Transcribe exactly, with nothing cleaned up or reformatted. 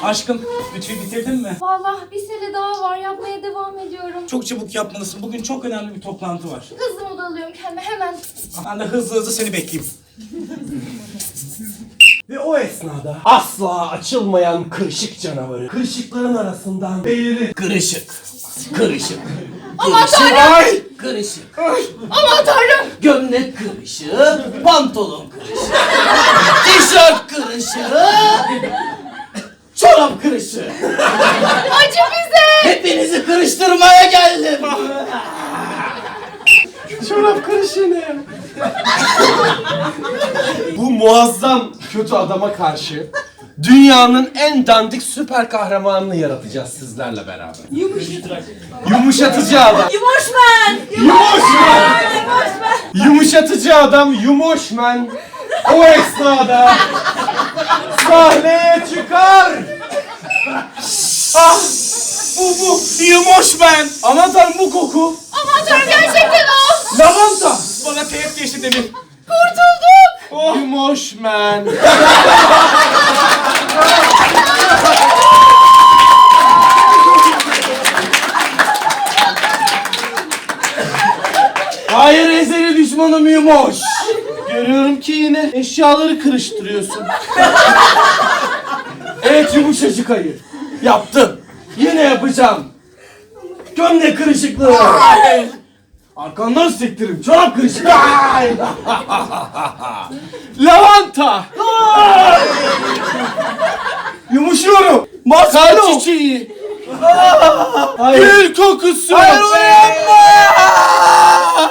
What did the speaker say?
Aşkım, bütçeyi bitirdin mi? Vallahi bir sene daha var. Yapmaya devam ediyorum. Çok çabuk yapmalısın. Bugün çok önemli bir toplantı var. Hızlı moda alıyorum kendime hemen. Ben de hızlı hızlı seni bekleyeyim. Ve o esnada asla açılmayan kırışık canavarı kırışıkların arasından belirir. Kırışık. Kırışık. Aman tanrım! Ay! Kırışık. Aman tanrım! Gömlek kırışık. Pantolon kırışık. Tişört kırışık. Çorap kırışık. Acı bize! Hepinizi kırıştırmaya geldim. Çorap kırışı ne ya? Bu muazzam kötü adama karşı dünyanın en dandik süper kahramanını yaratacağız sizlerle beraber. Yumuşatıcı adam. Yumoşmen! Yumoşman! Yumuşatıcı adam Yumoşman o esnada sahneye çıkar. Ah! Bu bu Yumoş ben. Aman tanrım bu koku. Aman tanrım gerçekten o! Lavanta. Bana teğet geçti Demir. Kurtulduk! Oh. Yumoş man. Hayır ezeli düşmanım Yumoş. Görüyorum ki yine eşyaları kırıştırıyorsun. Evet yumuşacık ayı. Yaptım. Yine yapacağım. Gömlek kırışıklığı. Arkandan sektirim. Çorap kırışıklığı. Lavanta. Yumuşuyorum. Kar çiçeği. Gül kokusu. Hayır uyanma.